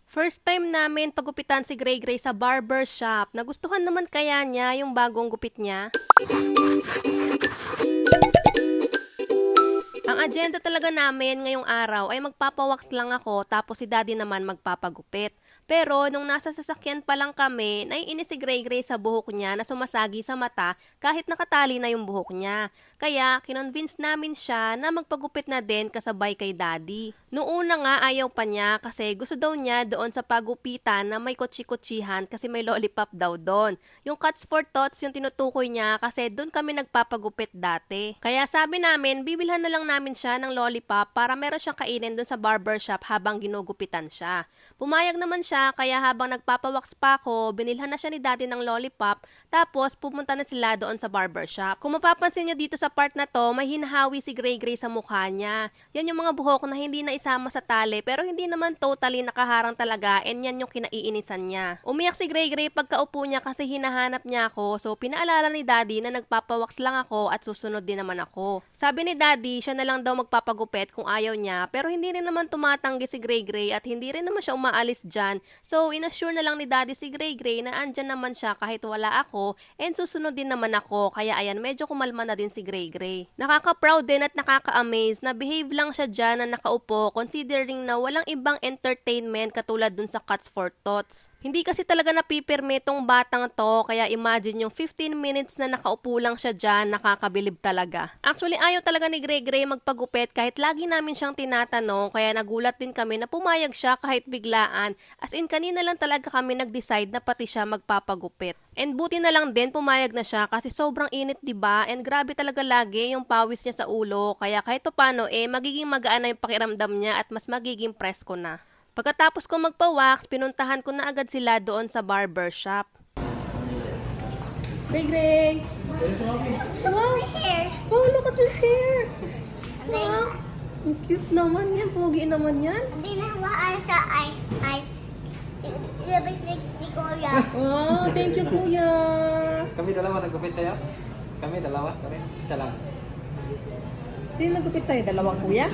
First time namin pagupitan si Gray Gray sa barber shop. Nagustuhan naman kaya niya yung bagong gupit niya? Ang agenda talaga namin ngayong araw ay magpapawax lang ako tapos si daddy naman magpapagupit. Pero nung nasa sasakyan pa lang kami, naiinis si Gray Gray sa buhok niya na sumasagi sa mata kahit nakatali na yung buhok niya. Kaya kinonvince namin siya na magpagupit na din kasabay kay daddy. Noong una nga ayaw pa niya kasi gusto daw niya doon sa pagupitan na may kutsi-kutsihan kasi may lollipop daw doon. Yung Cuts for Tots yung tinutukoy niya kasi doon kami nagpapagupit dati. Kaya sabi namin, bibilhan na lang namin siya ng lollipop para meron siyang kainin doon sa barbershop habang ginugupitan siya. Pumayag naman siya kaya habang nagpapawax pa ako, binilhan na siya ni daddy ng lollipop tapos pumunta na sila doon sa barbershop. Kung mapapansin niyo dito sa part na to, may hinahawi si Gray Gray sa mukha niya. Yan yung mga buhok na hindi na isama sa tali pero hindi naman totally nakaharang talaga and yan yung kinaiinisan niya. Umiyak si Gray Gray pagkaupo niya kasi hinahanap niya ako so pinaalala ni daddy na nagpapawax lang ako at susunod din naman ako. Sabi ni daddy siya na lang daw magpapagupit kung ayaw niya pero hindi rin naman tumatanggi si Gray Gray at hindi rin naman siya umaalis dyan. So inassure na lang ni daddy si Gray Gray na andyan naman siya kahit wala ako and susunod din naman ako kaya ayan medyo kumalma na din si Gray Gray. Nakaka-proud din at nakaka-amaze na behave lang siya dyan na nakaupo considering na walang ibang entertainment katulad dun sa Cuts for Tots. Hindi kasi talaga napipirme tong batang to kaya imagine yung 15 minutes na nakaupo lang siya dyan nakakabilib talaga. Actually ayaw talaga ni Gray Gray magpagupit kahit lagi namin siyang tinatanong kaya nagulat din kami na pumayag siya kahit biglaan. As in kanina lang talaga kami nag-decide na pati siya magpapagupit. And buti na lang din pumayag na siya kasi sobrang init 'di ba? And grabe talaga lagi yung pawis niya sa ulo kaya kahit papaano magiging magaan na yung pakiramdam niya at mas magiging presko na. Pagkatapos ko magpa-wax, pinuntahan ko na agad sila doon sa barber shop. Gray Gray! Wow! Oh, look at your hair! Wow! Ang cute naman yan. Pogi naman yan. Hindi na hawakan sa eyes. Ilabas ni Kuya. Oh, thank you, kuya. Kami dalawa nagupit sa'yo? Kami dalawa? Kami? Isa lang. Sino nagupit sa'yo? Dalawang kuya?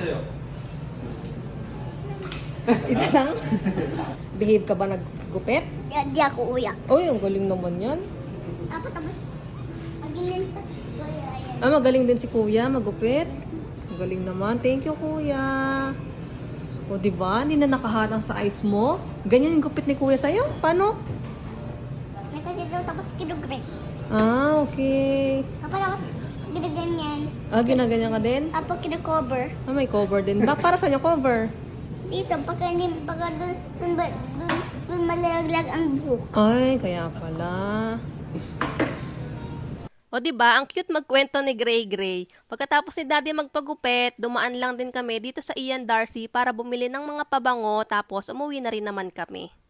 Isa lang? Behave ka ba naggupit? Di ako uyak. Uy, ang galing naman yan. Tapos, magiging pas Kuya yan. Ah, magaling din si kuya magupit. Ang galing naman. Thank you, kuya. O, diba? Hindi na nakaharang sa eyes mo. Ganyan yung gupit ni kuya sa'yo? Paano? Nakasito tapos kinugre. Ah, okay. Tapos ginaganyan. Ah, ginaganyan ka din? Tapos kinakover. Ah, may cover din. Para saan yung cover? Dito, pagka dun malalaglag ang buhok. Ay, kaya pala. O diba, ang cute magkwento ni Gray Gray. Pagkatapos ni daddy magpagupit, dumaan lang din kami dito sa Ian Darcy para bumili ng mga pabango tapos umuwi na rin naman kami.